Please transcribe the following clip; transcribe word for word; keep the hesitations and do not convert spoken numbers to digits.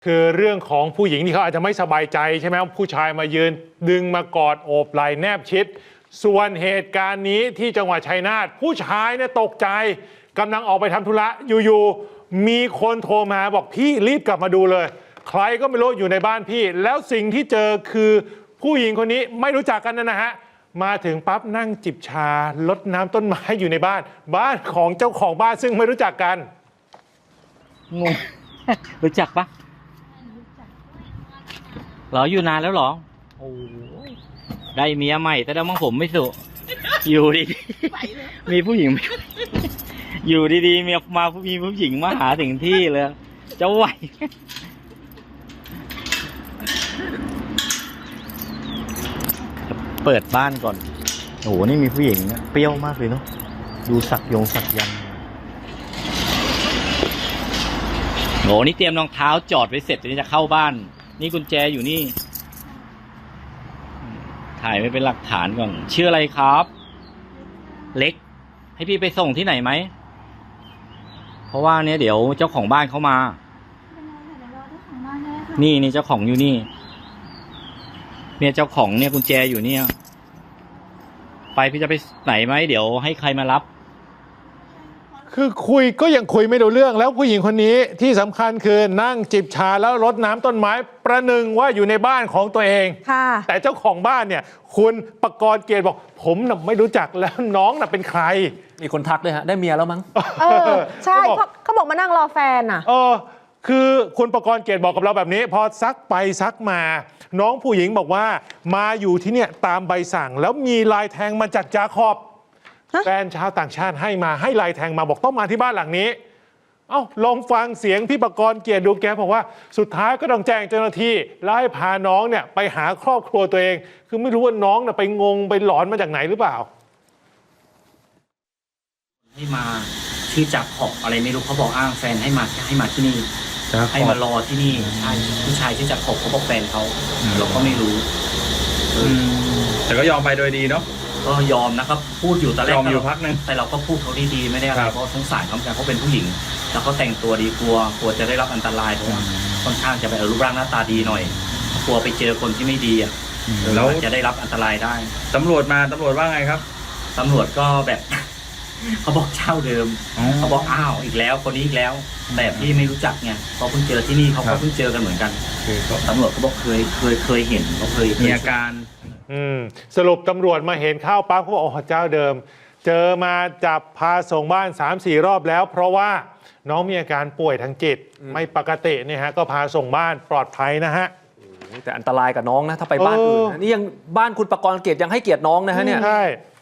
คือเรื่องของผู้หญิงที่เขาอาจจะไม่สบายใจใช่ไหมผู้ชายมายืนดึงมากอดโอบไหล่แนบชิดส่วนเหตุการณ์นี้ที่จังหวัดชัยนาทผู้ชายเนี่ยตกใจกำลังออกไปทำธุระอยู่ๆมีคนโทรมาบอกพี่รีบกลับมาดูเลยใครก็ไม่รู้อยู่ในบ้านพี่แล้วสิ่งที่เจอคือผู้หญิงคนนี้ไม่รู้จักกันนะฮะมาถึงปั๊บนั่งจิบชาลดน้ำต้นไม้อยู่ในบ้านบ้านของเจ้าของบ้านซึ่งไม่รู้จักกันงง รู้จักปะเหรออยู่นานแล้วเหรอโอ้ได้เมียใหม่แต่แล้วมั่งผมไม่สุอยู่ดีๆมีผู้หญิงอยู่ดีๆมีมามีผู้หญิงมาหาถึงที่เลยจะไหวเปิดบ้านก่อนโอ้โหนี่มีผู้หญิงนะเปรี้ยวมากเลยเนาะดูสักยงสักยันโหนี่เตรียมรองเท้าจอดไว้เสร็จจะจะเข้าบ้านนี่กุญแจอยู่นี่ถ่ายไว้เป็นหลักฐานก่อนชื่ออะไรครับเล็กให้พี่ไปส่งที่ไหนไหมเพราะว่าเนี้ยเดี๋ยวเจ้าของบ้านเขามานี่นี่เจ้าของอยู่นี่เนี่ยเจ้าของเนี่ยกุญแจอยู่เนี่ยไปพี่จะไปไหนไหมเดี๋ยวให้ใครมารับคือคุยก็ยังคุยไม่รู้เรื่องแล้วผู้หญิงคนนี้ที่สำคัญคือนั่งจิบชาแล้วรดน้ำต้นไม้ประหนึ่งว่าอยู่ในบ้านของตัวเองแต่เจ้าของบ้านเนี่ยคุณปกรณ์เกียรติบอกผมน่ะไม่รู้จักแล้วน้องน่ะเป็นใครมีคนทักเลยฮะได้เมียแล้วมั้งเออใช่เพราะเขาบอกมานั่งรอแฟนอ่ะเออคือคุณปกรณ์เกียรติบอกกับเราแบบนี้พอซักไปซักมาน้องผู้หญิงบอกว่ามาอยู่ที่เนี่ยตามใบสั่งแล้วมีลายแทงมาจากจาคอบแฟนชาวต่างชาติให้มาให้ลายแทงมาบอกต้องมาที่บ้านหลังนี้เอ้าลองฟังเสียงพี่ปกรณ์เกียรติดูแกบอกว่าสุดท้ายก็ต้องแจ้งเจ้าหน้าที่แล้วให้พาน้องเนี่ยไปหาครอบครัวตัวเองคือไม่รู้ว่าน้องน่ะไปงงไปหลอนมาจากไหนหรือเปล่าให้มาชื่อจากขอบอะไรไม่รู้เขาบอกอ้างแฟนให้มาให้มาที่นี่ให้มารอที่นี่ใช่ผู้ชายชื่อจากขอบเขาบอกแฟนเขาเราก็ไม่รู้แต่ก็ยอมไปโดยดีเนาะก็ยอมนะครับพูดอยู่ตอนแรกยอมอยู่พักนึงแต่เราก็พูดเขาดีๆไม่ได้อะไรเพราะสงสารเขาแต่เขาเป็นผู้หญิงแล้วก็แต่งตัวดีกลัวกลัวจะได้รับอันตรายเพราะว่าค่อนข้างจะไปรูปร่างหน้าตาดีหน่อยกลัวไปเจอคนที่ไม่ดีอ่ะแล้วจะได้รับอันตรายได้ตำรวจมาตำรวจว่าไงครับตำรวจก็แบบเขาบอกเช่าเดิมเขาบอกอ้าวอีกแล้วคนนี้อีกแล้วแต่พี่ไม่รู้จักไงเขาเพิ่งเจอที่นี่เขาก็เพิ่งเจอกันเหมือนกันตำรวจเขาบอกเคยเคยเคยเห็นเขาเคยมีอาการอืมสรุปตำรวจมาเห็นข้าวปั๊บเขาบอกอ๋อเจ้าเดิมเจอมาจับพาส่งบ้าน สามสี่ รอบแล้วเพราะว่าน้องมีอาการป่วยทางจิตไม่ปกติเนี่ยฮะก็พาส่งบ้านปลอดภัยนะฮะแต่อันตรายกับน้องนะถ้าไปบ้านอื่นนี่ยังบ้านคุณปกรณ์เกียรติยังให้เกียรติน้องนะฮะเนี่ยใช่